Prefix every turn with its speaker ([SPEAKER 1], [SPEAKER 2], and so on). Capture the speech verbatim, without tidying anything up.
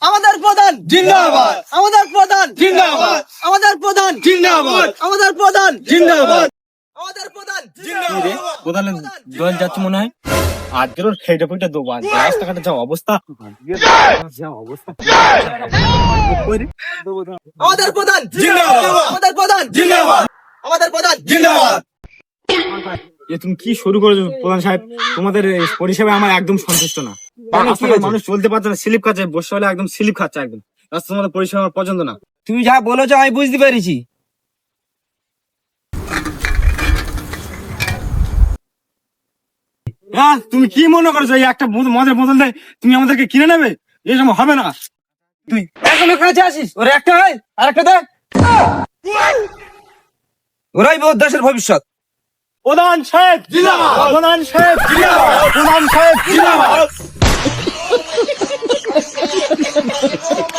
[SPEAKER 1] আমাদের প্রধান
[SPEAKER 2] জিন্দাবাদ,
[SPEAKER 1] আমাদের প্রধান
[SPEAKER 2] জিন্দাবাদ,
[SPEAKER 1] আমাদের প্রধান
[SPEAKER 2] জিন্দাবাদ,
[SPEAKER 1] আমাদের প্রধান
[SPEAKER 2] জিন্দাবাদ।
[SPEAKER 1] আমাদের প্রধান
[SPEAKER 3] কোথায় জল যাচ্ছে মনে হয় আজকের ওর খেটে ফুটে দেবো আজ রাস্তাঘাটে যা অবস্থা যা অবস্থা
[SPEAKER 1] আমাদের প্রধান
[SPEAKER 2] জিন্দাবাদ,
[SPEAKER 1] আমাদের প্রধান
[SPEAKER 2] জিন্দাবাদ,
[SPEAKER 1] আমাদের প্রধান
[SPEAKER 2] জিন্দাবাদ।
[SPEAKER 3] এ তুমি কি শুরু করেছো প্রধান সাহেব? তোমাদের এই পরিষেবায় আমার একদম সন্তুষ্ট না। রাস্তাঘাটে মানুষ চলতে পারছে না, স্লিপ খাচ্ছে, বসে হলে একদম স্লিপ খাচ্ছে একদম। রাস্তা তোমাদের পরিষেবা আমার পছন্দ না।
[SPEAKER 4] তুমি যা বলেছো আমি বুঝতে পেরেছি।
[SPEAKER 3] হ্যাঁ, তুমি কি মনে করছো এই একটা বোতল- মদের বোতল দেয় তুমি আমাদেরকে কিনে নেবে? এরকম হবে না।
[SPEAKER 4] তুই এখনো কাছে আসিস, ওর একটা হয় আর একটা দেখ, ওরাই বোধ দেশের ভবিষ্যৎ।
[SPEAKER 3] প্রধান সাহেব
[SPEAKER 2] জিন্দাবাদ,
[SPEAKER 3] প্রধান সাহেব
[SPEAKER 2] জিন্দাবাদ,
[SPEAKER 3] প্রধান সাহেব
[SPEAKER 2] জিন্দাবাদ।